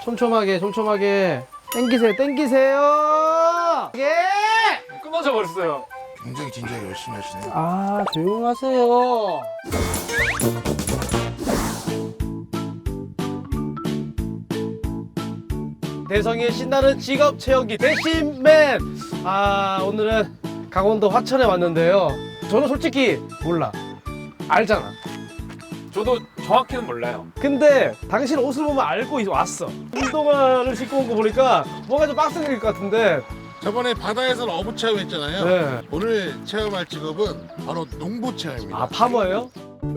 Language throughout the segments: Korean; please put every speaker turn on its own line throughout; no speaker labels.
촘촘하게 촘촘하게 땡기세요 땡기세요. 예.
끊어져 버렸어요.
굉장히 진지하게 열심히 하시네요.
아 조용하세요. 대성의 신나는 직업 체험기 대신맨. 아 오늘은 강원도 화천에 왔는데요. 저는 솔직히 몰라. 알잖아.
저도 정확히는 몰라요.
근데 당신 옷을 보면 알고 왔어. 운동화를 신고 온 거 보니까 뭔가 좀 빡세질 것 같은데.
저번에 바다에서는 어부 체험했잖아요.
네.
오늘 체험할 직업은 바로 농부 체험입니다.
아 파머예요?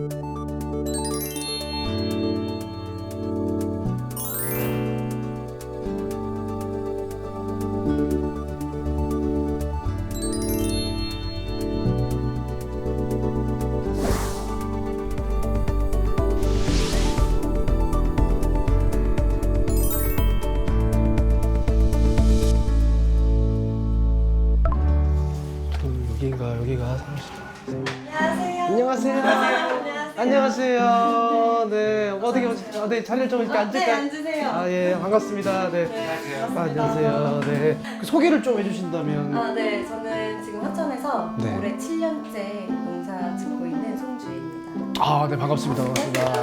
여기인가 여기가 사무실.
안녕하세요.
안녕하세요. 안녕하세요. 네 어떻게 네 자리를 좀 이렇게 앉을까요?
네, 앉으세요.
아 예 반갑습니다. 네.
안녕하세요.
아, 안녕하세요. 네. 그 소개를 좀 해주신다면.
아, 네. 저는 지금 화천에서
네.
올해 7년째 농사 짓고 있는 송주희입니다.
아, 네 반갑습니다. 반갑습니다.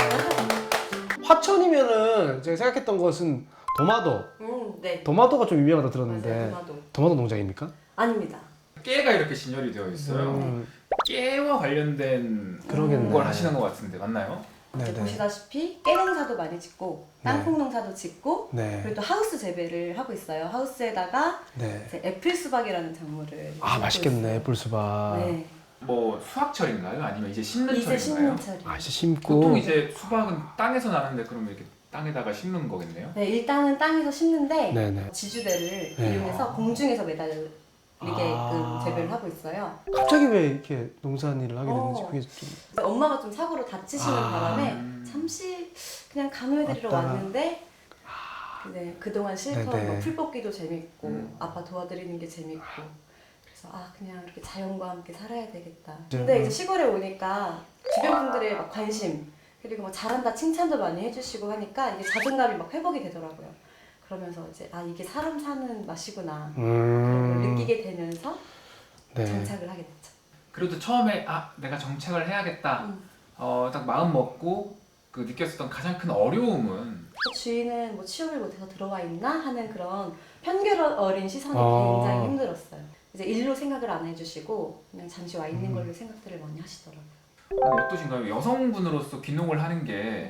화천이면은 제가 생각했던 것은 도마도.
네.
도마도가 좀 유명하다 들었는데.
맞아요, 도마도.
도마도 농장입니까?
아닙니다.
깨가 이렇게 진열이 되어 있어요. 깨와 관련된
그러겠네.
걸 하시는 것 같은데 맞나요?
이제
네네.
보시다시피 깨 농사도 많이 짓고 땅콩 농사도 짓고
네.
그리고 또 하우스 재배를 하고 있어요. 하우스에다가
네.
이제 애플 수박이라는 작물을
아
짓고
맛있겠네
있어요.
애플수박.
네.
뭐 수확철인가요? 아니면 이제 심는
이제
철인가요?
심는 철이.
아 이제 심고.
보통 이제 수박은 땅에서 나는데 그러면 이렇게 땅에다가 심는 거겠네요?
네, 일단은 땅에서 심는데
네네.
지주대를
네.
이용해서 공중에서 매달리게끔
아.
재배를 하고 있어요.
갑자기 왜 이렇게 농산일을 하게 됐는지
어.
그게 좀.
엄마가 좀 사고로 다치시는
아.
바람에 잠시 그냥 간호해드리러
왔다가.
왔는데 근데 그동안 실컷
네네.
뭐 풀 뽑기도 재밌고
음.
아빠 도와드리는 게 재밌고 그래서 아 그냥 이렇게 자연과 함께 살아야 되겠다.
네.
근데 이제 시골에 오니까 주변 분들의 막 관심 그리고 뭐 잘한다 칭찬도 많이 해주시고 하니까 이게 자존감이 막 회복이 되더라고요. 그러면서 이제 아 이게 사람 사는 맛이구나 그런 걸 느끼게 되면서
네.
정착을 하게 됐죠.
그래도 처음에 아 내가 정착을 해야겠다 딱 마음 먹고 그 느꼈었던 가장 큰 어려움은
주인은 뭐 취업을 못해서 들어와 있나 하는 그런 편견 어린 시선이 굉장히 힘들었어요. 이제 일로 생각을 안 해주시고 그냥 잠시 와 있는 걸로 생각들을 많이 하시더라고요.
어떠신가요? 여성분으로서 귀농을 하는 게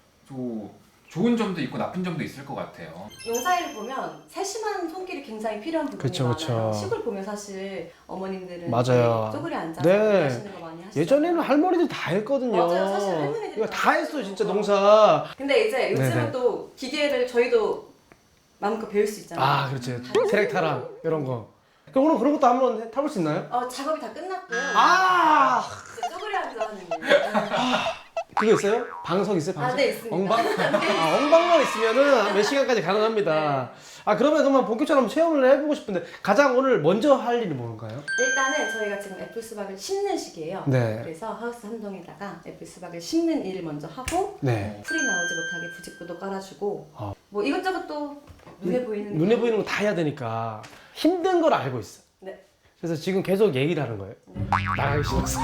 좋은 점도 있고 나쁜 점도 있을 것 같아요.
농사일을 보면 세심한 손길이 굉장히 필요한 부분이
그쵸,
많아요.
그쵸.
시골 보면 사실 어머님들은
맞아요.
쪼그리 앉아서
네.
하시는 거 많이 하시죠.
예전에는 할머니들 다 했거든요.
맞아요. 사실 할머니들이
이거
다
다 했어 진짜
했어요.
농사.
근데 이제 요즘은
네네.
또 기계를 저희도 마음껏 배울 수 있잖아요.
아 그렇지. 트랙타랑 이런 거. 그럼 오늘 그런 것도 한번 타볼 수 있나요?
작업이 다 끝났고요.
아
이제 쪼그리 앉아 하는 거예요.
그거 있어요? 방석 있어요? 방석?
네, 있습니다.
엉방? 아, 엉방만 있으면은 몇 시간까지 가능합니다. 아 그러면 본격적으로 한번 체험을 해보고 싶은데 가장 오늘 먼저 할 일이 뭔가요?
일단은 저희가 지금 애플 수박을 심는 시기예요.
네.
그래서 하우스 한 동에다가 애플 수박을 심는 일을 먼저 하고
네.
풀이 나오지 못하게 부직구도 깔아주고
어.
뭐 이것저것 또 눈에 보이는
눈에 보이는 거 다 해야 되니까 힘든 걸 알고 있어.
네.
그래서 지금 계속 얘기를 하는 거예요. 나가기 싫었어.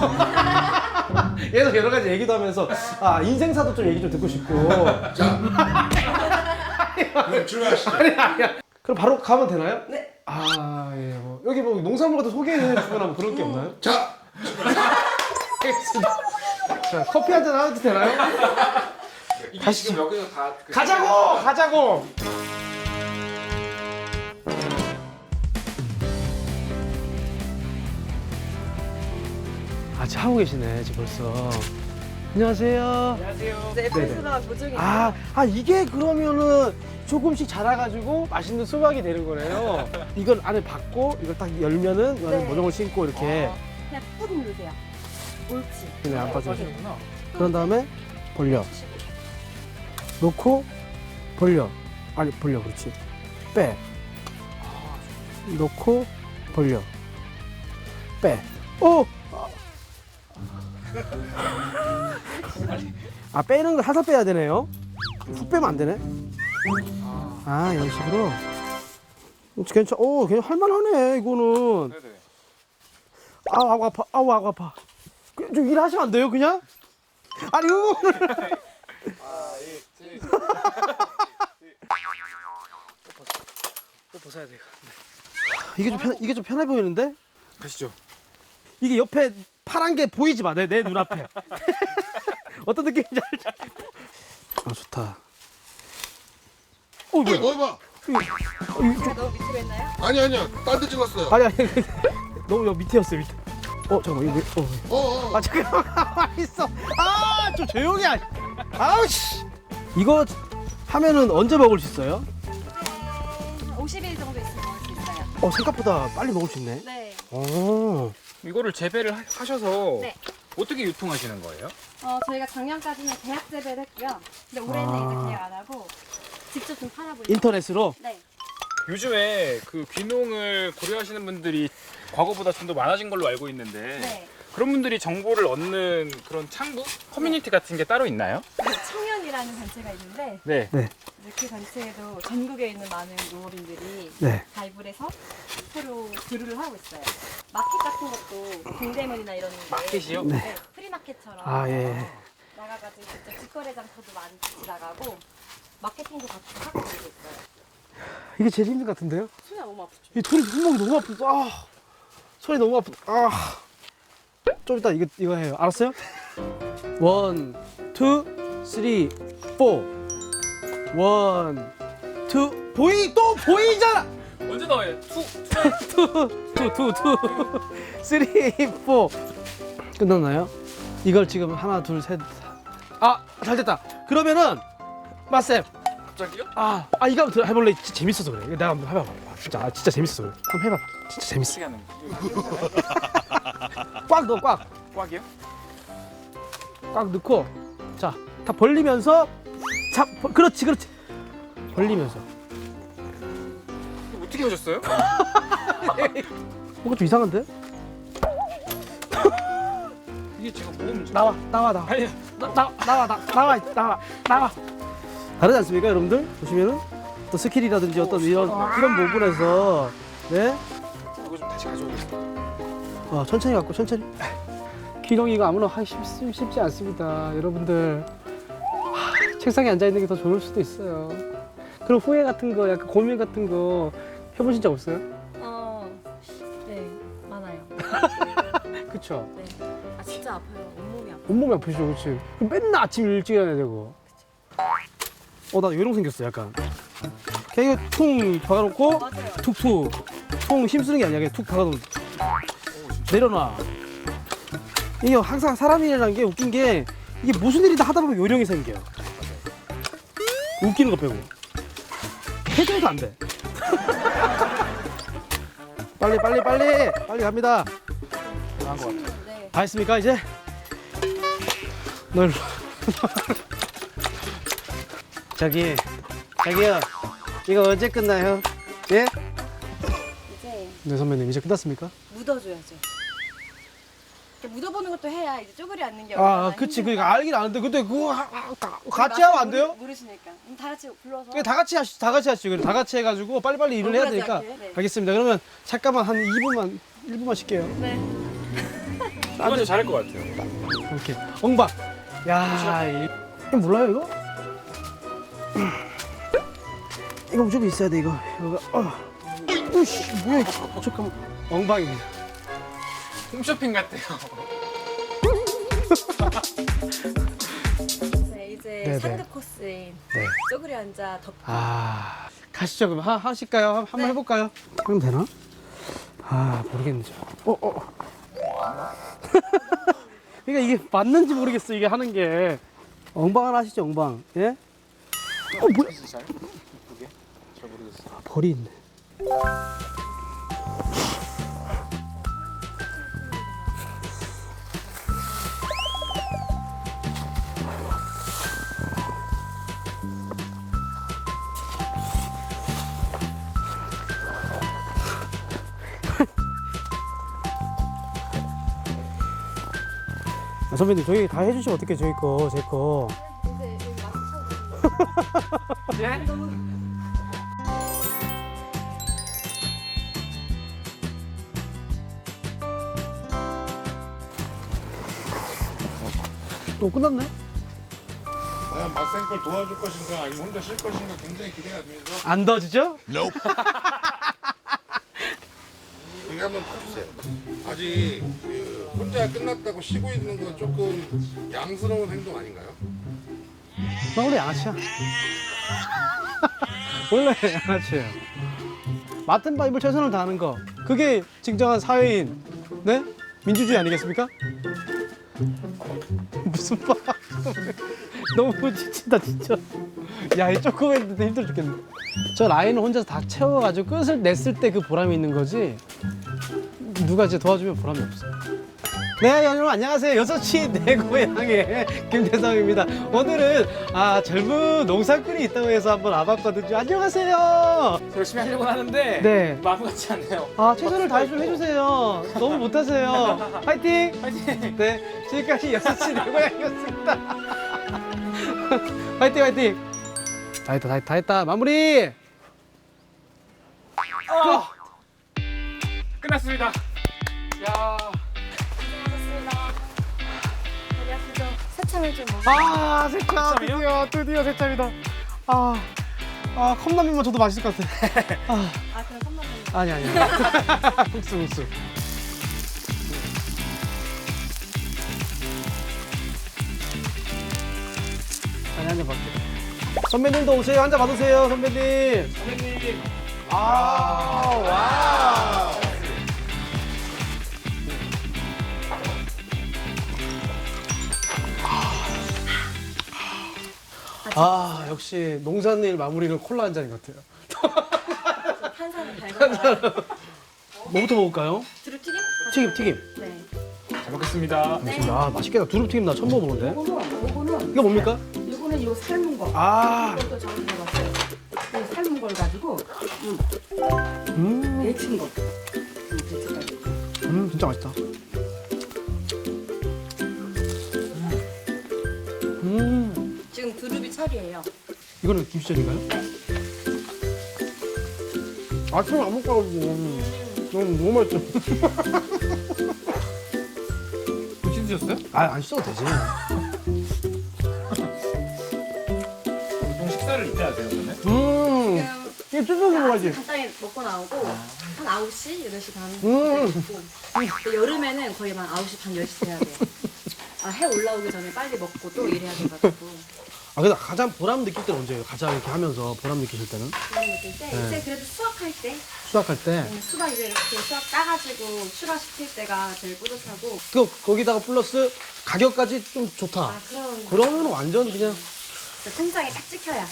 계속 여러 가지 얘기도 하면서 아 인생사도 좀 얘기 좀 듣고 싶고.
자, 그럼 출발하시죠.
아니야. 그럼 바로 가면 되나요?
네.
아 예. 뭐 여기 뭐 농산물 같은 소개해 주거나 뭐 그런 게 없나요?
자,
알겠습니다. 자 커피 한잔 하도 되나요?
이게
가시죠.
지금 여기서 다
가자고. 아, 지금 하고 계시네, 지금 벌써. 안녕하세요.
안녕하세요.
이제 애플
네네.
수박 보증이
아, 이게 그러면은 조금씩 자라가지고 맛있는 수박이 되는 거네요. 이걸 안에 받고, 이걸 딱 열면은,
네.
모종을 심고 이렇게.
그냥 꾹 누르세요. 옳지.
그냥 안 빠져.
빠지는구나.
그런 다음에 벌려. 놓고, 벌려. 아니, 벌려, 그렇지. 빼. 놓고, 벌려. 빼. 오! 아 빼는 거 살살 빼야 되네요. 훅 빼면 안 되네. 아 이런 식으로. 괜찮. 오, 괜찮. 할만하네 이거는.
네네.
아우 아파. 아우 아파. 좀 일하시면 안 돼요 그냥? 아니 이거는. 또 벗어야 돼. 이게 좀 편해 보이는데?
가시죠.
이게 옆에 파란 게 보이지 마. 내 눈앞에. 어떤 느낌인지 알지? 아 좋다. 어 뭐야?
어, 봐.
제가 너무 밑으로 했나요?
아니야. 딴 데 찍었어요.
아니 너무 여기 밑에였어 밑에. 잠깐만 이거
어.
잠깐만 가만히 있어. 좀 조용히 하. 아우 씨. 이거 하면은 언제 먹을 수 있어요?
50일 정도 있으면 먹을 수 있어요.
생각보다 빨리 먹을 수 있네.
네.
이거를 재배를 하셔서
네.
어떻게 유통하시는 거예요?
저희가 작년까지는 계약 재배를 했고요. 근데 올해는
아.
이제 계약 안 하고 직접 좀 팔아보려고.
인터넷으로.
네.
요즘에 그 귀농을 고려하시는 분들이 과거보다 좀 더 많아진 걸로 알고 있는데
네.
그런 분들이 정보를 얻는 그런 창구? 커뮤니티 같은 게 따로 있나요?
청년이라는 단체가 있는데
네.
이제 그 단체에도 전국에 있는 많은 농업인들이
네.
가입을 해서 서로 교류를 하고 있어요. 마켓 같은 것도 동대문이나 이런 데
마켓이요?
네. 프리마켓처럼
예.
나가가지고 직접 직거래 장터도 많이 같이 나가고 마케팅도 같이 하고 그러고 있어요.
이게 제일 힘든 것 같은데요?
손이 너무 아프죠?
이 손목이 너무 아프다. 손이 너무 아프다. 좀 이따 이거 해요. 알았어요? 1, 2, 3, 4. 1, 2. 또 보이잖아.
언제 나와요? 투.
3, 4. 끝났나요? 이걸 지금 하나, 둘, 셋. 잘 됐다. 그러면은 마쌤.
갑자기요?
이거 한번 해볼래? 진짜 재밌어서 그래. 내가 한번 해봐봐. 진짜 재밌어서 그래. 한번 해봐봐. 진짜 재밌어.
어떻게 하는 거예요?
꽉 넣어, 꽉.
꽉이요?
꽉 넣고, 자, 다 벌리면서, 그렇지. 벌리면서.
어떻게 하셨어요?
뭔가 좀 이상한데?
이게 제가 뭐가 문제?
나와.
아니,
나와. 다르지 않습니까, 여러분들? 보시면은 또 스킬이라든지 어떤 이런 부분에서 네,
이거 좀 다시 가져오겠습니다.
천천히 갖고 천천히. 귀농이가 아무나 하기 쉽지 않습니다, 여러분들. 책상에 앉아 있는 게 더 좋을 수도 있어요. 그런 후회 같은 거, 약간 고민 같은 거 해보신 적 없어요?
네, 많아요.
그쵸?
네. 진짜 아파요. 온몸이 아파요.
온몸이 아프시죠, 그렇지? 맨날 아침 일찍 일어나야 되고. 나 요령 생겼어, 약간. 그냥 이거 퉁 박아놓고
맞아요.
툭툭. 퉁 힘쓰는 게 아니야, 그냥 툭 박아놓으면 내려놔. 이게 항상 사람이라는 게 웃긴 게 이게 무슨 일이다 하다 보면 요령이 생겨요. 웃기는 거 빼고. 해줘도 안 돼. 빨리 갑니다.
나은 것 같아요.
네.
다 했습니까, 이제? 널. 저기요. 이거 언제 끝나요? 예?
이제
네, 선배님, 이제 끝났습니까?
묻어줘야죠. 이렇게 묻어보는 것도 해야 이제 쪼그리 앉는 게
그치. 그러니까 알긴 아는데, 근데 그거 같이 하면 안 돼요?
모르시니까. 그럼 다 같이 불러서.
다 같이 하시죠. 다 같이 해가지고 빨리빨리 일을 해야 되니까.
억울하지 않게. 네.
알겠습니다. 그러면 잠깐만 한 1분만 쉴게요.
네.
이건 잘할 것 같아요.
이렇게. 엉박. 야, 이거 몰라요, 이거? 이거 무조건 있어야 돼, 이거. 우씨, 뭐야, 이거. 잠깐만. 엉방입니다.
홈쇼핑 같아요.
이제
네네.
상급 코스인
네.
쪼그리 앉아 덮고.
가시죠. 그럼 하실까요? 한번
네.
해볼까요? 하면 되나? 모르겠는데. 그러니까 이게 맞는지 모르겠어, 이게 하는 게. 엉방 하나 하시죠, 엉방. 예? 뭐야?
잘? 그게? 잘 모르겠어요.
벌이 있네. 선배님, 저희 다 해주시면 어떡해, 저희 거, 제 거.
이제 여기 마스크 쳐주세요.
예?
또 끝났네?
과연 맞생걸 도와줄 것인가 아니면 혼자 쉴 것인가 굉장히 기대가 되면서
안 더지죠?
Nope. 이거 한번 봐주세요. 아직 그 혼자 끝났다고 쉬고 있는 건 조금 양스러운 행동 아닌가요?
나 원래 양아치야. 원래 양아치예요. 맡은 바 입을 최선을 다하는 거. 그게 진정한 사회인, 네? 민주주의 아니겠습니까? 무슨 바? 너무 지친다 진짜. 야, 이 조금 했는데 힘들어 죽겠네. 저 라인을 혼자서 다 채워가지고 끝을 냈을 때 그 보람이 있는 거지. 누가 이제 도와주면 보람이 없어. 네, 여러분 안녕하세요. 6시 내 고향의 김대성입니다. 오늘은 젊은 농사꾼이 있다고 해서 한번 와봤거든요. 안녕하세요.
열심히 하려고 하는데
네.
마음 같지 않네요.
최선을 다해 좀 해주세요. 너무 못하세요. 파이팅!
파이팅!
네, 지금까지 6시 내 고향이었습니다. 파이팅, 파이팅! 다 했다. 마무리!
끝났습니다. 야.
새참을 좀 먹어.
세참! 드디어 세참이다. 컵라면만 줘도 맛있을 것 같아.
그럼 컵라면.
아니. 국수. 아니, 한잔 받게. 선배님도 오세요. 한 잔 받으세요, 선배님.
선배님.
와. 역시 농산일 마무리는 콜라 한 잔인 것 같아요.
탄산을 달달한.
뭐부터 먹을까요?
두릅 튀김?
튀김.
네.
잘 먹겠습니다.
알겠습니다. 맛있겠다. 두릅튀김 나 처음 먹어보는데.
요거는
이거 뭡니까?
요거는 요 삶은 거. 이것도 저기 해봤어요. 이 삶은 걸 가지고 데친 거. 데쳐가지고.
진짜 맛있다.
지금 두릅이 철이에요.
이거는 김치전인가요? 아침에 안 먹고 가지고 너무 맛있죠.
김치 드셨어요?
안 씻어도 되지.
보통 식사를 이때 하세요, 그러면?
이게 뜯어서 먹어야지.
간단히 먹고 나오고 한 9시, 8시 반
음.
먹고. 근데 여름에는 거의 한 9시 반, 10시 돼야 돼요. 해 올라오기 전에 빨리 먹고 또 일해야 돼가지고.
근데 가장 보람 느낄 때는 언제예요? 가장 이렇게 하면서 보람 느끼실 때는?
그런 느낄 때
네.
이제 그래도 수확할 때
수확할 때.
수박 이제 이렇게 수확 따가지고 출하시킬 때가 제일 뿌듯하고.
거기다가 플러스 가격까지 좀 좋다.
그럼
그러면 완전 그냥.
통장에 딱 찍혀야.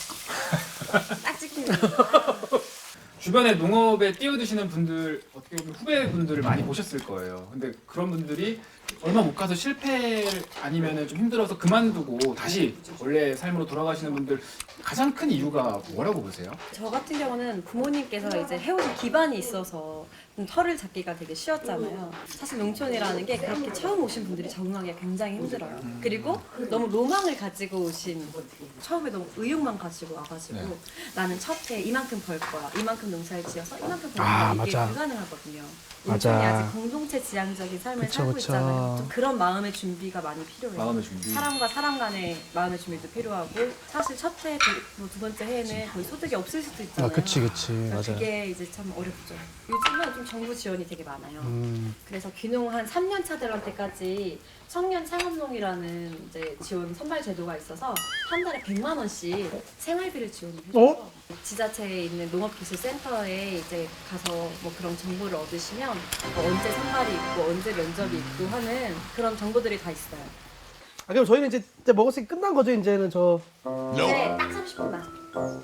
딱 찍히는 거.
주변에 농업에 뛰어드시는 분들, 어떻게 보면 후배분들을 많이 보셨을 거예요. 근데 그런 분들이 얼마 못 가서 실패를 아니면 좀 힘들어서 그만두고 다시 원래 삶으로 돌아가시는 분들 가장 큰 이유가 뭐라고 보세요?
저 같은 경우는 부모님께서 이제 해오신 기반이 있어서 좀 털을 잡기가 되게 쉬웠잖아요. 사실 농촌이라는 게 그렇게 처음 오신 분들이 적응하기가 굉장히 힘들어요. 그리고 너무 로망을 가지고 오신, 처음에 너무 의욕만 가지고 와가지고
네.
나는 첫 해 이만큼 벌 거야, 이만큼 농사를 지어서 이만큼 벌
아,
거야. 이게
맞아.
불가능하거든요.
맞아.
농촌이 아직 공동체 지향적인 삶을
그쵸,
살고
그쵸.
있잖아요. 좀 그런 마음의 준비가 많이 필요해요.
마음의 준비.
사람과 사람 간의 마음의 준비도 필요하고, 사실 첫 해, 두 번째 해에는 거의 소득이 없을 수도 있잖아요.
그치.
그러니까
맞아요.
그게 이제 참 어렵죠. 요즘은 좀 정부 지원이 되게 많아요.
음.
그래서 귀농 한 3년 차들한테까지 청년 창업농이라는 이제 지원 선발 제도가 있어서 한 달에 100만 원씩 생활비를 지원을 해줘서 지자체에 있는 농업기술센터에 이제 가서 뭐 그런 정보를 얻으시면 뭐 언제 선발이 있고 언제 면접이 있고 하는 그런 정보들이 다 있어요.
그럼 저희는 이제 먹었으니 끝난 거죠, 이제는 저.
네, 딱 30분만.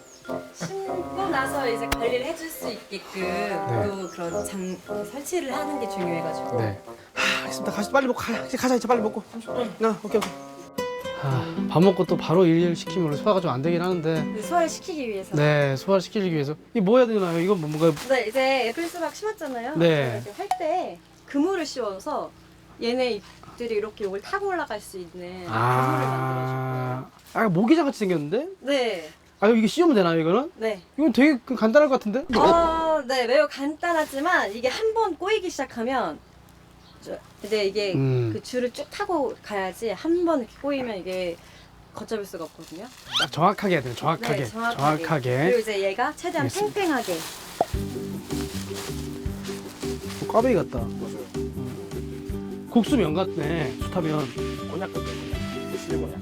심고 나서 이제 관리를 해줄 수 있게끔 또 그런 설치를 하는 게 중요해가지고.
네. 알겠습니다. 빨리 먹고 가자. 이제 빨리 먹고. 오케이. 밥 먹고 또 바로 일 시키면 원래 소화가 좀 안 되긴 하는데.
소화를 시키기 위해서.
네, 소화를 시키기 위해서. 이게 뭐 해야 되나요? 이건 뭔가.
네, 이제 애플 수박 심었잖아요.
네.
할 때 그물을 씌워서 얘네 닭들이 이렇게 이걸 타고 올라갈 수 있는 그물을 만들어줬고요.
모기장 같이 생겼는데?
네,
이게 씌우면 되나요, 이거는?
네.
이건 되게 간단할 것 같은데?
네, 매우 간단하지만 이게 한 번 꼬이기 시작하면 이제 이게 그 줄을 쭉 타고 가야지 한 번 이렇게 꼬이면 이게 걷잡을 수가 없거든요.
딱 정확하게 해야 돼요, 정확하게.
네, 정확하게. 그리고 이제 얘가 최대한
알겠습니다.
팽팽하게.
꽈배기 같다.
맞아요.
국수면 같네, 숯하면.
곤약 같아요. 실곤약.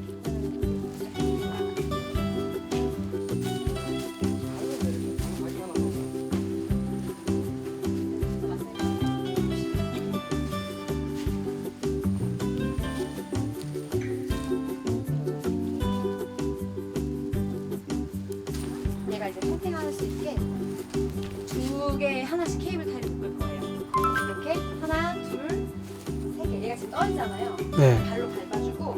얘가 이제 팽팽할 수 있게 두 개 하나씩 케이블 타이를 묶을 거예요. 이렇게 하나, 둘, 세 개. 얘가 지금 떨리잖아요.
네.
발로 밟아주고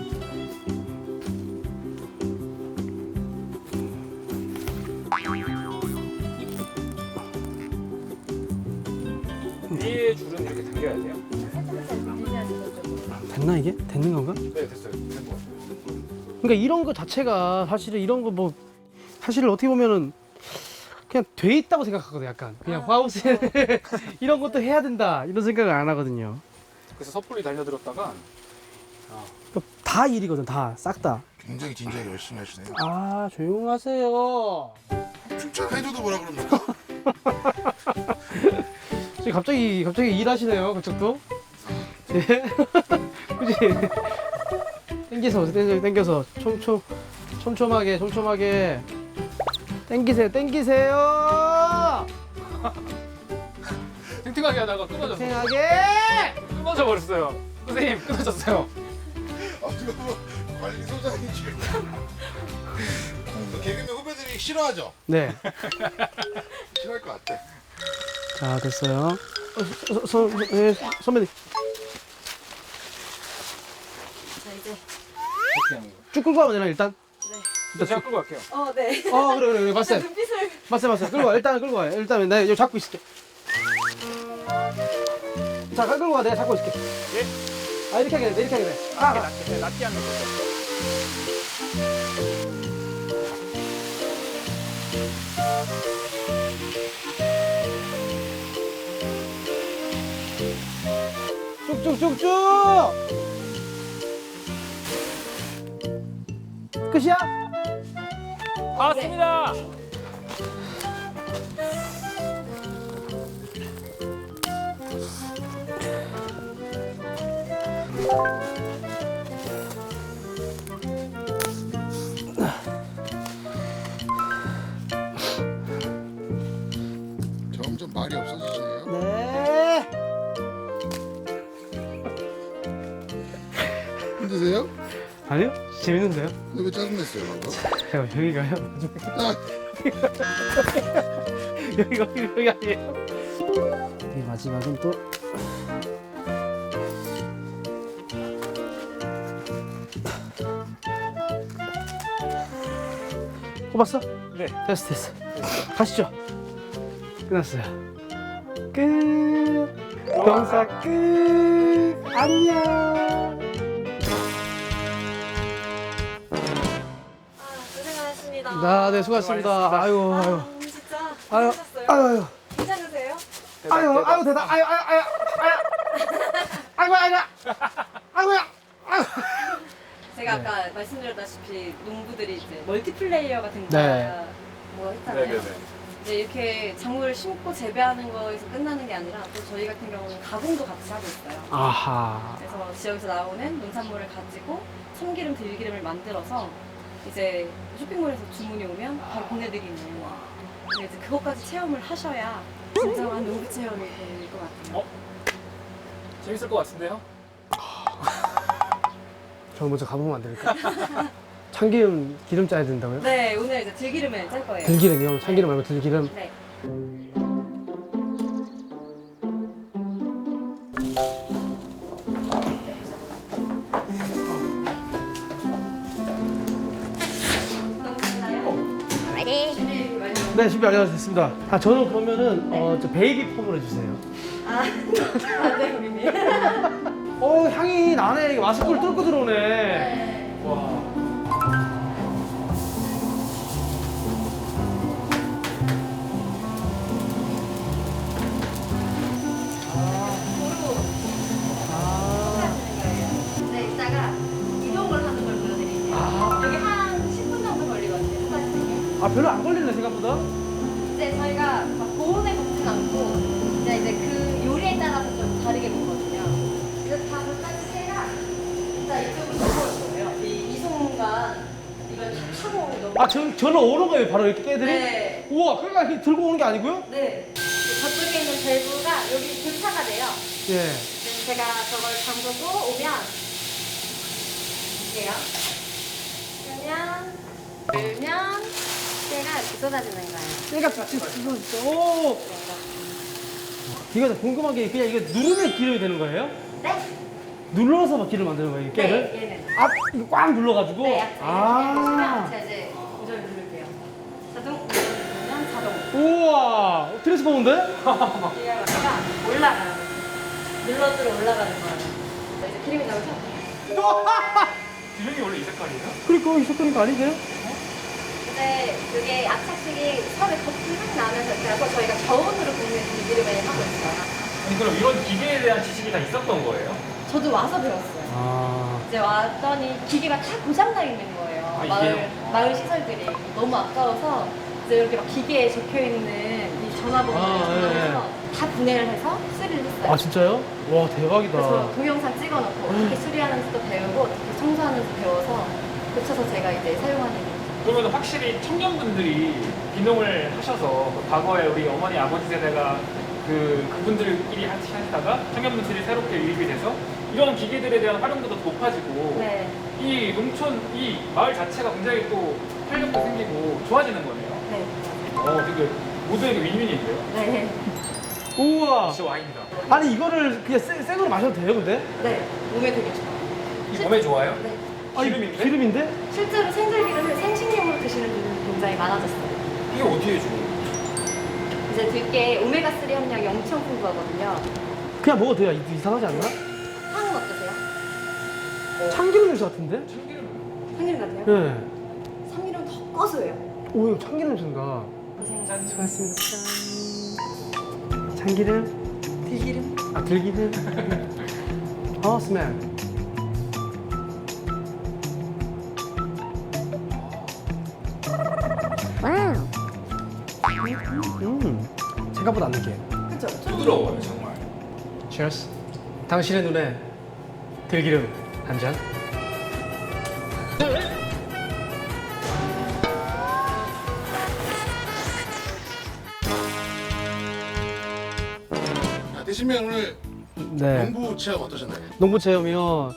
위에 줄은 이렇게 당겨야 돼요.
살짝 당겨야지 저쪽으로.
됐나, 이게? 되는 건가?
네, 됐어요. 된 것 같아요.
그러니까 이런 거 자체가 사실은 이런 거 뭐, 사실은 어떻게 보면은 그냥 돼 있다고 생각하거든요, 약간. 그냥 하우스에 이런 것도 해야 된다, 이런 생각을 안 하거든요.
그래서 섣불리 달려들었다가
다 일이거든, 다. 싹 다.
굉장히 진지하게 열심히 하시네요.
아, 조용하세요.
칭찬해줘도 뭐라 그럽니까?
지금 갑자기 일하시네요, 그쪽도. 예. 그지? 땡겨서 촘촘하게 땡기세요.
탱탱하게 하다가 끊어졌어요.
탱하게.
끊어져 버렸어요. 선생님 끊어졌어요.
이거 뭐 관리소장이지. 개그맨 후배들이 싫어하죠?
네.
싫어할 것 같아.
자, 됐어요. 선배님
자 이제
이렇게 하는 거예요.
쭉 끌고 가면 되나 일단?
네.
일단 제가 끌고 갈게요.
네.
그래 봤어요.
눈빛을
끌고 와. 일단 끌고 와. 일단 내가 여기 잡고 있을게. 자, 끌고 와. 내가 잡고 있을게.
예?
이렇게 하게 돼.
낮게 하는 거죠.
쭉쭉쭉쭉. 끝이야?
왔습니다.
점점 말이 없어지시네요.
네.
힘드세요?
아니요? 재밌는데요?
근데 왜 짜증냈어요, 방금?
여기가요? 여기 아니에요? 이 마지막은 또 뽑았어?
네.
됐어. 가시죠. 끝났어요. 끝. 병사 끝. 안녕.
고생하셨습니다.
네, 수고하셨습니다. 아유.
진짜
아유.
고생하셨어요.
아유.
괜찮으세요?
아유, 대단. 아유야.
제가 아까 말씀드렸다시피 농부들이 이제 멀티플레이어가
네.
된다 뭐 했잖아요.
네네네.
이제 이렇게 작물을 심고 재배하는 거에서 끝나는 게 아니라 또 저희 같은 경우는 가공도 같이 하고 있어요.
아하.
그래서 지역에서 나오는 농산물을 가지고 참기름, 들기름을 만들어서 이제 쇼핑몰에서 주문이 오면 바로 보내드리는. 근데 이제 그것까지 체험을 하셔야 진정한 농부 체험이 될 것 같아요.
재밌을 것 같은데요?
저 먼저 가보면 안 될까? 참기름 기름 짜야 된다고요?
네, 오늘 이제 들기름을 짤 거예요.
들기름이요? 참기름 말고 들기름?
네.
네, 준비 완료됐습니다. 저는 그러면은 저 베이비 폼을 해주세요.
네, 우리님.
향이 나네. 이게 마스크를 뚫고 들어오네.
네.
와.
네, 이따가 이동을 하는 걸 보여드릴게요. 여기 한 10분 정도 걸리거든요. 끝까지.
아, 별로 안 걸리네, 생각보다.
이제 저희가 막 고온에 굽진 않고 이제 그 요리에 따라서 좀 다르게 굽거든요. 그래서 다 끝까지 해라. 일단 이쪽으로 넘어올 거예요. 이 순간 이걸 다 타고 넘어.
아, 저로 오는 거예요, 바로 이렇게 깨들이?
네.
우와, 그러니까 이렇게 들고 오는 게 아니고요?
네. 저쪽에 있는 밸브가 여기 교차가 돼요.
예.
제가 저걸 잠그고 오면 이게요. 그러면 때가 이렇게 쏟아지는 거예요.
얘가 지금 오. 이거 궁금한 게 그냥 이거 누르면 기름이 되는 거예요?
네.
눌러서 막 기름 만드는 거예요, 이 깨를?
네, 얘는.
아, 이거 꽉 눌러가지고?
네, 약간
아.
제가 이제 조절 누를게요. 자동 조절 누르면 자동.
우와, 트랜스포머인데?
얘가 올라가요. 눌러주러 올라가는 거예요. 이제 기름이 나오죠?
기름이 원래 이 색깔이에요?
그러니까 이 색깔인 아니세요?
근데 그게 압착식이 처음에 거품이 확 나면서 그래서 저희가 저온으로 굽는 기름을 하고 있어요.
아니 그럼 이런 기계에 대한 지식이 다 있었던 거예요?
저도 와서 배웠어요.
아.
이제 왔더니 기계가 다 고장나 있는 거예요.
아, 이게요?
마을 시설들이 너무 아까워서 이제 이렇게 막 기계에 적혀 있는 이 전화번호를
아,
전화해서 다 분해를 해서 수리를 했어요.
아, 진짜요? 와, 대박이다.
그래서 동영상 찍어놓고 어떻게 수리하는지도 배우고 어떻게 청소하는지 배워서 고쳐서 제가 이제 사용하는 거예요.
그러면 확실히 청년분들이 귀농을 하셔서 과거에 우리 어머니 아버지 세대가 그분들끼리 하시다가 청년분들이 새롭게 유입이 돼서 이런 기계들에 대한 활용도도 높아지고
네.
이 농촌 이 마을 자체가 굉장히 또 활력도 생기고 좋아지는 거네요.
네.
되게 모두에게 윈윈인데요.
네.
우와.
역시 와인이다.
아니, 이거를 그냥 생으로 마셔도 돼요, 근데?
네. 몸에 되게 좋아요.
이 몸에 좋아요?
네.
아니,
기름인데?
기름인데?
실제로 생들기름을 생식용으로 드시는 분들이 굉장히 많아졌어요.
이게 어떻게 좋아요?
이제 들깨 오메가3 함량이 엄청 풍부하거든요.
그냥 먹어도 돼요. 이상하지 않나?
향은 어떠세요?
참기름 냄새 같은데?
참기름.
참기름 같아요?
네.
참기름 더 고소해요.
오, 이거 참기름 냄새인가?
고생하셨습니다.
수고하셨습니다. 짠. 참기름?
들기름?
아, 들기름? 스멜. 생각보다 안 느끼해.
그쵸?
부드러워요 정말.
Cheers. 당신의 눈에 들기름 한 잔.
드시면 오늘
네.
농부 체험 어떠셨나요?
농부 체험이요.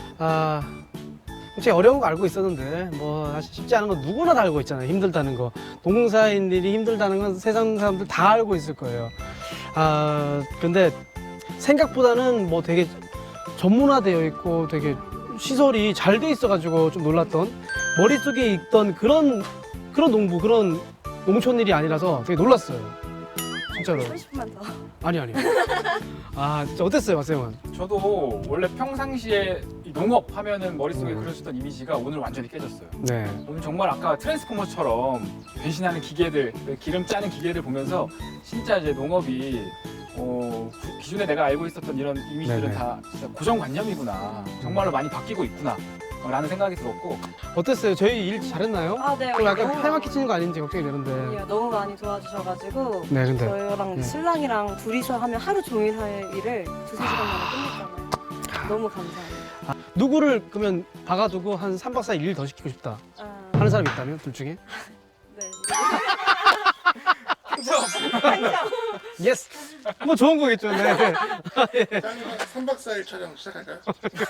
제가 어려운 거 알고 있었는데 뭐 사실 쉽지 않은 거 누구나 다 알고 있잖아요. 힘들다는 거. 농사인들이 힘들다는 건 세상 사람들 다 알고 있을 거예요. 근데 생각보다는 뭐 되게 전문화되어 있고 되게 시설이 잘 돼 있어가지고 좀 놀랐던, 머릿속에 있던 그런 농부, 농촌 일이 아니라서 되게 놀랐어요. 진짜로.
30분만 더.
아니. 진짜 어땠어요, 박세영은?
저도 원래 평상시에 이 농업 하면은 머릿속에 그려졌던 이미지가 오늘 완전히 깨졌어요.
네.
오늘 정말 아까 트랜스포머처럼 변신하는 기계들, 기름 짜는 기계들 보면서 진짜 이제 농업이 기존에 내가 알고 있었던 이런 이미지들은
네네.
다 진짜 고정관념이구나. 정말로 많이 바뀌고 있구나. 라는 생각이 들었고
어땠어요? 저희 일 잘했나요?
네.
좀 약간 팔막히 치는 거 아닌지 걱정이 되는데.
아니요, 너무 많이 도와주셔가지고
네, 근데.
저희랑
네.
신랑이랑 둘이서 하면 하루 종일 할 일을 2-3시간 만에 끝냈잖아요. 너무 감사해요.
누구를 그러면 박아두고 한 3박 4일 일 더 시키고 싶다 하는 사람이 있다면 둘 중에?
네.
예스! 뭐 좋은 거겠죠. 네.
짱이랑 3박 4일 촬영 시작할까요?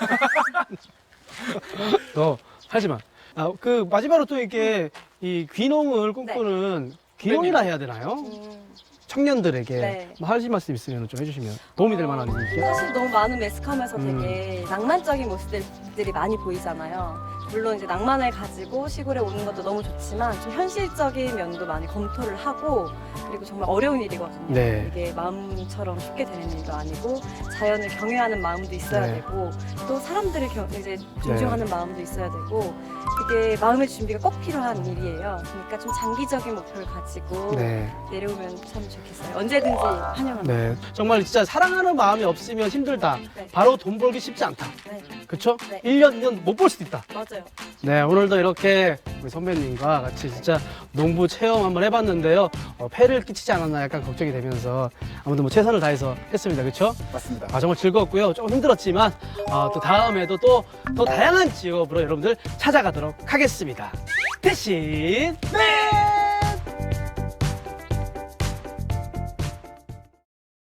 너 하지 마. 마지막으로 또 이렇게 이 귀농을 꿈꾸는 귀농이라 해야 되나요? 청년들에게
네.
뭐 하실 말씀 있으면 좀 해주시면 도움이 될 만한 얘기.
사실 너무 많은 매스컴에서 되게 낭만적인 모습들이 많이 보이잖아요. 물론 이제 낭만을 가지고 시골에 오는 것도 너무 좋지만 좀 현실적인 면도 많이 검토를 하고 그리고 정말 어려운 일이거든요.
네.
이게 마음처럼 쉽게 되는 일도 아니고 자연을 경외하는 마음도 있어야
네.
되고 또 사람들을 이제 존중하는 마음도 있어야 되고 그게 마음의 준비가 꼭 필요한 일이에요. 그러니까 좀 장기적인 목표를 가지고
네.
내려오면 참 좋겠어요. 언제든지 환영합니다.
네. 정말 진짜 사랑하는 마음이 없으면 힘들다.
네.
바로 돈 벌기 쉽지 않다.
네,
그쵸?
네.
1년, 2년 못 볼 수도 있다.
맞아요.
네, 오늘도 이렇게 우리 선배님과 같이 진짜 농부 체험 한번 해봤는데요. 폐를 끼치지 않았나 약간 걱정이 되면서 아무튼 뭐 최선을 다해서 했습니다. 그쵸?
맞습니다.
아, 정말 즐거웠고요. 조금 힘들었지만 또 다음에도 또 더 다양한 직업으로 여러분들 찾아가도록 하겠습니다. 대신 네!